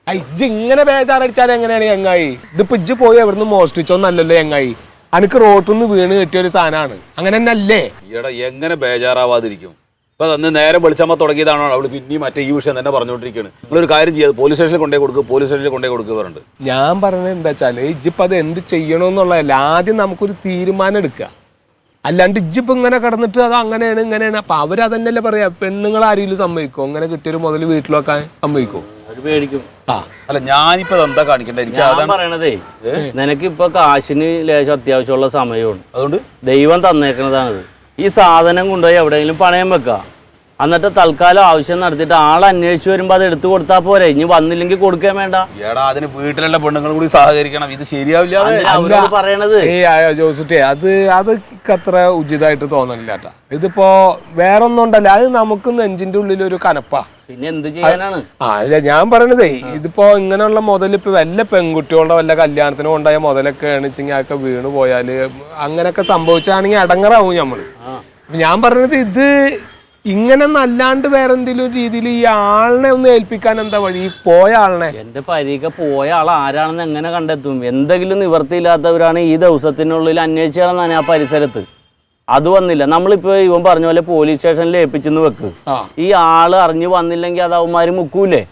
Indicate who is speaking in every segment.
Speaker 1: ഇജ്ജ് ഇങ്ങനെ ബേജാറടിച്ചാൽ എങ്ങനെയാണ് ചങ്ങായി? ഇതിപ്പോ ഇജ്ജ് പോയി എവിടുന്ന് മോഷ്ടിച്ചോന്നല്ലല്ലോ ചങ്ങായി, അനക്ക് റോട്ടിന്ന് വീണ് കിട്ടിയ ഒരു സാധനമാണ്. അങ്ങനെ തന്നെ അല്ലേ?
Speaker 2: ഈടാ എങ്ങനെ ബേജാറാവാതിരിക്കും? ഇപ്പൊ അന്ന് നേരെ വെളിച്ചമ്മ തുടങ്ങിയതാണോ അവള് പിന്നെയും മറ്റേ ഈ വിഷയം തന്നെ പറഞ്ഞുകൊണ്ടിരിക്കുകയാണ്. നിങ്ങളൊരു കാര്യം ചെയ്യാതെ പോലീസ് സ്റ്റേഷനിൽ കൊണ്ടേ കൊടുക്കുക, പോലീസ് സ്റ്റേഷനിൽ കൊണ്ടേ കൊടുക്കുക പറഞ്ഞിട്ട്.
Speaker 1: ഞാൻ പറഞ്ഞത് എന്താ വെച്ചാല് ഇജ്ജിപ്പോ അത് എന്ത് ചെയ്യണമെന്നുള്ളതല്ല, ആദ്യം നമുക്കൊരു തീരുമാനം എടുക്കുക. അല്ലാണ്ട് ഇജ്ജിപ്പോ ഇങ്ങനെ കിടന്നിട്ട് അത് അങ്ങനെയാണ് ഇങ്ങനെയാണ്. അപ്പൊ അവരതന്നെയല്ലേ പറയാ, പെണ്ണുങ്ങൾ ആരെങ്കിലും സമ്മതിക്കോ? അങ്ങനെ കിട്ടിയൊരു മുതൽ വീട്ടിൽ വെക്കാൻ സമ്മതിക്കോ?
Speaker 3: പേടിക്കും.
Speaker 2: അല്ല ഞാനിപ്പോ എന്താ കാണിക്കണ്ടേ?
Speaker 3: ഞാൻ പറയണതേ, നിനക്ക് ഇപ്പൊ കാശിന് ലേശം അത്യാവശ്യമുള്ള സമയമാണ്.
Speaker 2: അതുകൊണ്ട്
Speaker 3: ദൈവം തന്നേക്കണതാണിത്. ഈ സാധനം കൊണ്ടുപോയി എവിടെയെങ്കിലും പണയം വെക്കുക. എന്നിട്ട് തൽക്കാലം ആവശ്യം നടത്തിയിട്ട് ആൾ അന്വേഷിച്ച് വരുമ്പോ അത് എടുത്തു കൊടുത്താൽ പോരെ. ഇനി വന്നില്ലെങ്കിൽ കൊടുക്കാൻ വേണ്ട.
Speaker 2: ഏടാ അതിന് വീട്ടിലുള്ള പെണ്ണുങ്ങൾ കൂടി സഹകരിക്കണം. ഇത് ശരിയാവില്ല
Speaker 3: പറയണത്.
Speaker 1: ജോസുട്ടേ, അത് അത്ര ഉചിതമായിട്ട് തോന്നണില്ല കേട്ടാ. ഇതിപ്പോ വേറൊന്നും ഉണ്ടല്ല, അത് നമുക്ക് നെഞ്ചിന്റെ ഉള്ളിൽ ഒരു കനപ്പാ.
Speaker 3: പിന്നെ എന്ത് ചെയ്യാനാണ്?
Speaker 1: അല്ല ഞാൻ പറയണതേ, ഇതിപ്പോ ഇങ്ങനെയുള്ള മുതൽ ഇപ്പൊ വല്ല പെൺകുട്ടികളുടെ വല്ല കല്യാണത്തിന് കൊണ്ടായ മുതലൊക്കെ ആണെച്ചെങ്കിൽ അതൊക്കെ വീണ് പോയാല് അങ്ങനെയൊക്കെ സംഭവിച്ചാണെങ്കിൽ അടങ്ങറാവും നമ്മള്. ഞാൻ പറഞ്ഞത് ഇത് ഇങ്ങനെ നല്ലാണ്ട് വേറെ എന്തെങ്കിലും രീതിയിൽ ഈ ആളിനെ ഒന്ന് ഏൽപ്പിക്കാൻ എന്താ വഴി? ഈ പോയ ആളിനെ,
Speaker 3: എന്റെ പരീക്ഷ പോയ ആൾ ആരാണെന്ന് എങ്ങനെ കണ്ടെത്തും? എന്തെങ്കിലും നിവർത്തിയില്ലാത്തവരാണ് ഈ ദിവസത്തിനുള്ളിൽ അന്വേഷിച്ചാണെന്നാണ് ആ പരിസരത്ത്. അത് വന്നില്ല. നമ്മളിപ്പോ ഇവൻ പറഞ്ഞ പോലെ പോലീസ് സ്റ്റേഷനിൽ ഏൽപ്പിച്ചെന്ന് വെക്ക്. ഈ ആള് അറിഞ്ഞു വന്നില്ലെങ്കിൽ അത് അവന്മാര് മുക്കൂലേ?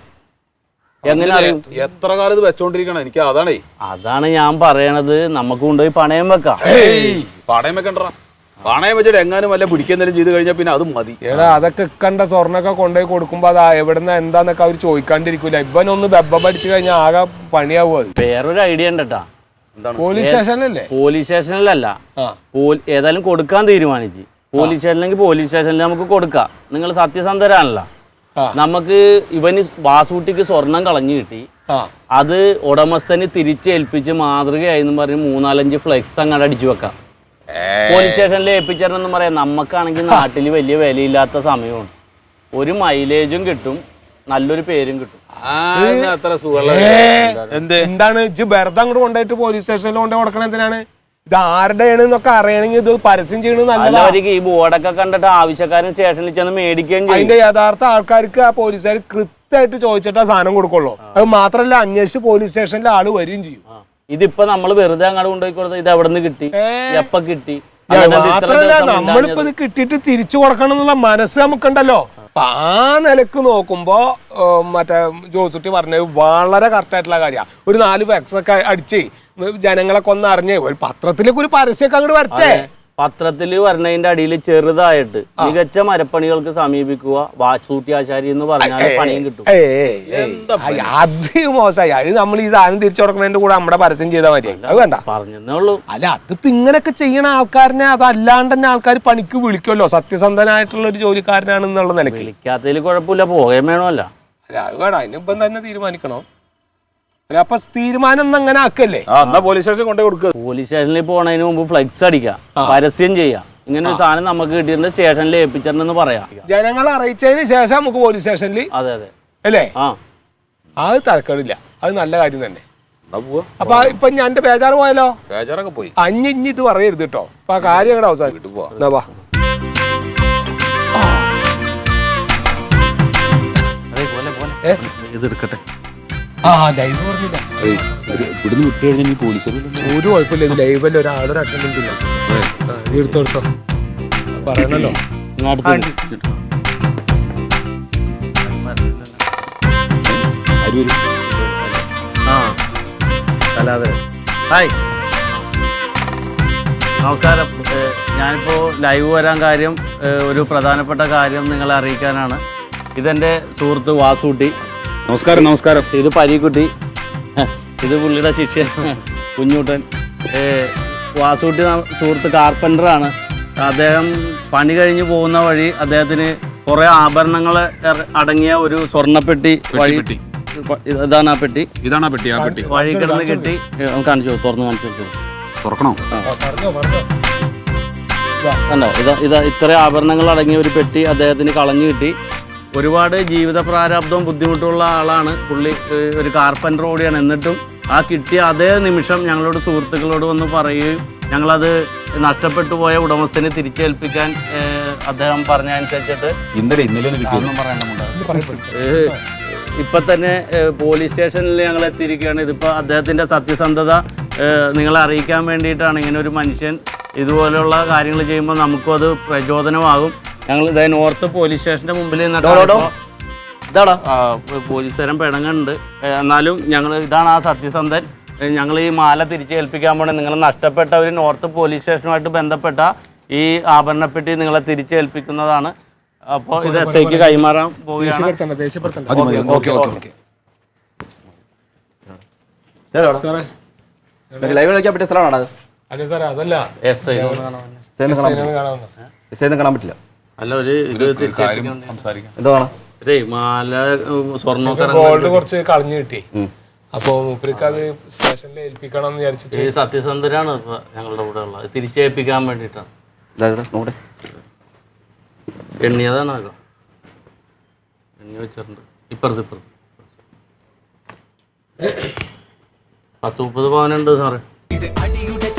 Speaker 3: എങ്ങനെ അറിയും?
Speaker 2: എത്ര കാലം ഇത് വെച്ചോണ്ടിരിക്കണം? എനിക്ക്
Speaker 3: അതാണ് ഞാൻ പറയണത്. നമുക്ക് കൊണ്ടുപോയി പണയം വെക്കാം.
Speaker 2: പണയം വെക്കണ്ട. പണയം വെച്ചിട്ട് എങ്ങാനും വല്ല പിടിക്കുന്നതിലും ചെയ്ത് കഴിഞ്ഞാൽ പിന്നെ അതും മതി.
Speaker 1: ഏടാ അതൊക്കെ കണ്ട സ്വർണ്ണൊക്കെ കൊണ്ടുപോയി കൊടുക്കുമ്പോ അത് എവിടുന്ന് എന്താന്നൊക്കെ അവർ ചോദിക്കാണ്ടിരിക്കൂല. ഇവനൊന്ന് ബെബ്ബ പഠിച്ചു കഴിഞ്ഞാൽ ആകെ പണിയാവും. അത്
Speaker 3: വേറൊരു ഐഡിയ ഉണ്ടട്ടാ.
Speaker 1: പോലീസ് സ്റ്റേഷനിലല്ലേ?
Speaker 3: പോലീസ് സ്റ്റേഷനിലല്ല, ഏതായാലും കൊടുക്കാൻ തീരുമാനിച്ച്. പോലീസ് സ്റ്റേഷനിലെങ്കിൽ പോലീസ് സ്റ്റേഷനിൽ നമുക്ക് കൊടുക്കാം. നിങ്ങൾ സത്യസന്ധരാണല്ലോ. നമുക്ക് ഇവന് വാസൂട്ടിക്ക് സ്വർണം കളഞ്ഞു കിട്ടി. അത് ഉടമസ്ഥന് തിരിച്ചേൽപ്പിച്ച് മാതൃകയായി പറഞ്ഞ് 3-4 ഫ്ലെക്സ് അങ്ങോട്ട് അടിച്ചു വെക്കാം. പോലീസ് സ്റ്റേഷനിൽ ഏൽപ്പിച്ചെന്ന് പറയാം. നമുക്കാണെങ്കിൽ നാട്ടിൽ വലിയ വിലയില്ലാത്ത സമയമാണ്. ഒരു മൈലേജും കിട്ടും, നല്ലൊരു പേരും കിട്ടും.
Speaker 1: എന്താണ് ഇജ്ജ് വെറുതെ അങ്ങോട്ട് കൊണ്ടുപോയിട്ട് പോലീസ് സ്റ്റേഷനിൽ കൊണ്ടുപോയി കൊടുക്കണ എന്തിനാണ്? ഇത് ആരുടെയാണ് എന്നൊക്കെ അറിയണമെങ്കിൽ ഇത് പരസ്യം ചെയ്യണത് നല്ലതായിരിക്കും.
Speaker 3: ഈ ബോർഡൊക്കെ കണ്ടിട്ട് ആവശ്യക്കാരൻ സ്റ്റേഷനിൽ ചെന്ന് മേടിക്കുകയും ചെയ്യും.
Speaker 1: അതിന്റെ യഥാർത്ഥ ആൾക്കാർക്ക് ആ പോലീസുകാർ കൃത്യമായിട്ട് ചോദിച്ചിട്ട് ആ സാധനം കൊടുക്കുള്ളൂ. അത് മാത്രല്ല അന്വേഷിച്ച് പോലീസ് സ്റ്റേഷനിൽ ആള് വരികയും ചെയ്യും.
Speaker 3: ഇതിപ്പോ നമ്മൾ വെറുതെ അങ്ങോട്ട് കൊണ്ടുപോയി കൊടുത്തത് ഇത് എവിടെ നിന്ന് കിട്ടി, എപ്പ കിട്ടി?
Speaker 1: മാത്രല്ല നമ്മളിപ്പോ ഇത് കിട്ടിയിട്ട് തിരിച്ചു കൊടുക്കണം എന്നുള്ള മനസ്സ് നമുക്കുണ്ടല്ലോ. ആ നിലക്ക് നോക്കുമ്പോ മറ്റേ ജോസുട്ടി പറഞ്ഞത് വളരെ കറക്റ്റ് ആയിട്ടുള്ള കാര്യമാണ്. ഒരു 4 ഫ്ലെക്സ് ഒക്കെ അടിച്ച് ജനങ്ങളൊക്കെ ഒന്ന് അറിഞ്ഞ് ഒരു പത്രത്തിലേക്ക് ഒരു പരസ്യമൊക്കെ അങ്ങോട്ട് വരട്ടെ.
Speaker 3: പത്രത്തിൽ വരണതിന്റെ അടിയിൽ ചെറുതായിട്ട് മികച്ച മരപ്പണികൾക്ക് സമീപിക്കുക വാസൂട്ടി ആശാരി എന്ന് പറഞ്ഞാൽ പണിയും കിട്ടും.
Speaker 1: അത് മോശമായി. അത് നമ്മൾ ഈ സാധനം തിരിച്ചു കൊടുക്കുന്നതിന്റെ കൂടെ നമ്മുടെ പരസ്യം ചെയ്താൽ മതി. അത് വേണ്ട
Speaker 3: പറഞ്ഞേ ഉള്ളൂ.
Speaker 1: അല്ല അതിപ്പോ ഇങ്ങനെയൊക്കെ ചെയ്യണ ആൾക്കാരനെ അതല്ലാണ്ട് തന്നെ ആൾക്കാർ പണിക്ക് വിളിക്കുമല്ലോ. സത്യസന്ധനായിട്ടുള്ള ഒരു ജോലിക്കാരനാണെന്നുള്ള നിലയ്ക്ക്
Speaker 3: വിളിക്കാത്തതിൽ കുഴപ്പമില്ല, പോകേം വേണമല്ല.
Speaker 1: അല്ല അത് വേണം, അതിനിപ്പം തന്നെ തീരുമാനിക്കണോ? അപ്പൊ തീരുമാനം ഒന്നും അങ്ങനെ ആക്കല്ലേ?
Speaker 2: പോലീസ് സ്റ്റേഷനിൽ കൊണ്ടേ കൊടുക്കുക.
Speaker 3: പോലീസ് സ്റ്റേഷനിൽ പോണതിന് മുമ്പ് ഫ്ലെക്സ് അടിക്കാം, പരസ്യം ചെയ്യാം. ഇങ്ങനെ ഒരു സാധനം നമുക്ക് കിട്ടിയിട്ട് സ്റ്റേഷനിൽ ഏൽപ്പിച്ചെന്ന് പറയാം.
Speaker 1: ജനങ്ങളെ അറിയിച്ചതിന് ശേഷം നമുക്ക് പോലീസ് സ്റ്റേഷനിൽ.
Speaker 3: അതെ അതെ
Speaker 1: അല്ലേ? അത് തരക്കേടില്ല, അത് നല്ല കാര്യം തന്നെ. അപ്പൊ ഇപ്പൊ ഞാൻ എന്റെ ബേജാറ് പോയാലോ?
Speaker 2: ബേജാറൊക്കെ പോയി.
Speaker 1: ഇനി ഇത് പറയരുത് കേട്ടോ. അപ്പൊ ആ കാര്യം അങ്ങോട്ട് അവസാനിട്ട് പോവാ.
Speaker 3: ഇതെടുക്കട്ടെ.
Speaker 1: ഒരു കുഴപ്പമില്ല. ഇത് ലൈവല്ല, ഒരാളൊരു അറ്റൻഡന്റ് ഇല്ല. എടുത്തോ പറയണല്ലോ.
Speaker 3: ഹായ്, നമസ്കാരം. ഞാനിപ്പോ ലൈവ് വരാൻ കാര്യം ഒരു പ്രധാനപ്പെട്ട കാര്യം നിങ്ങളെ അറിയിക്കാനാണ്. ഇതെന്റെ സുഹൃത്ത് വാസൂട്ടി.
Speaker 2: നമസ്കാരം. നമസ്കാരം.
Speaker 3: ഇത് പരീക്കുട്ടി, ഇത് പുള്ളിയുടെ ശിഷ്യൻ കുഞ്ഞൂട്ടൻ. വാസൂട്ടി സുഹൃത്ത് കാർപ്പൻ്ററാണ്. അദ്ദേഹം പണി കഴിഞ്ഞ് പോകുന്ന വഴി അദ്ദേഹത്തിന് കുറേ ആഭരണങ്ങൾ അടങ്ങിയ ഒരു സ്വർണ്ണപ്പെട്ടി വഴി. ഇതാണ് ആ പെട്ടി.
Speaker 2: ഇതാണ് ആ പെട്ടി. ആ പെട്ടി
Speaker 3: വഴി കിടന്ന് കിട്ടി. കാണിച്ചു, തുറന്ന് കാണിച്ചു.
Speaker 2: തുറക്കണോ?
Speaker 3: കണ്ടോ? ഇതാ ഇത്ര ആഭരണങ്ങൾ അടങ്ങിയ ഒരു പെട്ടി അദ്ദേഹത്തിന് കളഞ്ഞു കിട്ടി. ഒരുപാട് ജീവിത പ്രാരാബ്ദവും ബുദ്ധിമുട്ടുള്ള ആളാണ് പുള്ളി. ഒരു കാർപ്പൻ്റർ കൂടിയാണ്. എന്നിട്ടും ആ കിട്ടിയ അതേ നിമിഷം ഞങ്ങളോട് സുഹൃത്തുക്കളോട് വന്ന് പറയുകയും ഞങ്ങളത് നഷ്ടപ്പെട്ടു പോയ ഉടമസ്ഥനെ തിരിച്ചേൽപ്പിക്കാൻ അദ്ദേഹം പറഞ്ഞ അനുസരിച്ചിട്ട് ഇപ്പം തന്നെ പോലീസ് സ്റ്റേഷനിൽ ഞങ്ങൾ എത്തിയിരിക്കുകയാണ്. ഇതിപ്പോൾ അദ്ദേഹത്തിൻ്റെ സത്യസന്ധത നിങ്ങളെ അറിയിക്കാൻ വേണ്ടിയിട്ടാണ്. ഇങ്ങനെ ഒരു മനുഷ്യൻ ഇതുപോലെയുള്ള കാര്യങ്ങൾ ചെയ്യുമ്പോൾ നമുക്കും അത് പ്രചോദനമാകും. ഞങ്ങൾ ഇതേ നോർത്ത് പോലീസ് സ്റ്റേഷൻ്റെ മുമ്പിൽ
Speaker 4: ഇതാടാ
Speaker 3: പോലീസുകാരൻ പിണങ്ങുന്നുണ്ട്. എന്നാലും ഞങ്ങൾ ഇതാണ് ആ സത്യസന്ധൻ. ഞങ്ങൾ ഈ മാല തിരിച്ചേൽപ്പിക്കാൻ പോണേ. നിങ്ങൾ നഷ്ടപ്പെട്ട ഒരു നോർത്ത് പോലീസ് സ്റ്റേഷനുമായിട്ട് ബന്ധപ്പെട്ട ഈ ആഭരണപ്പെട്ടി നിങ്ങളെ തിരിച്ചേൽപ്പിക്കുന്നതാണ്. അപ്പോൾ ഇത് SIക്ക് കൈമാറാൻ പോവുകയാണ്.
Speaker 4: ലൈവ് കളിക്കാൻ പറ്റിയ സ്ഥലമാണോ അത്?
Speaker 1: അതല്ല
Speaker 3: SI
Speaker 4: കാണാൻ പറ്റില്ല.
Speaker 3: അല്ല ഒരു ഇത്
Speaker 2: സംസാരിക്കാം.
Speaker 4: എന്താ വേണം?
Speaker 3: മാല സ്വർണ്ണമൊക്കെ
Speaker 1: ഗോൾഡ് കുറച്ച് കളഞ്ഞു കിട്ടി. അപ്പൊ മൂപ്പർക്ക് അത് സ്റ്റേഷനിൽ ഏൽപ്പിക്കണം എന്ന് വിചാരിച്ചിട്ട്.
Speaker 3: ഈ സത്യസന്ധരാണ് ഇപ്പൊ ഞങ്ങളുടെ കൂടെ ഉള്ളത്. തിരിച്ചേൽപ്പിക്കാൻ വേണ്ടിയിട്ടാണ്.
Speaker 4: നോക്കട്ടെ,
Speaker 3: എണ്ണിയതാണ് ആകെ എണ്ണി വെച്ചിട്ടുണ്ട്. ഇപ്പുറത്ത് 10-30 പവനുണ്ട് സാറേ.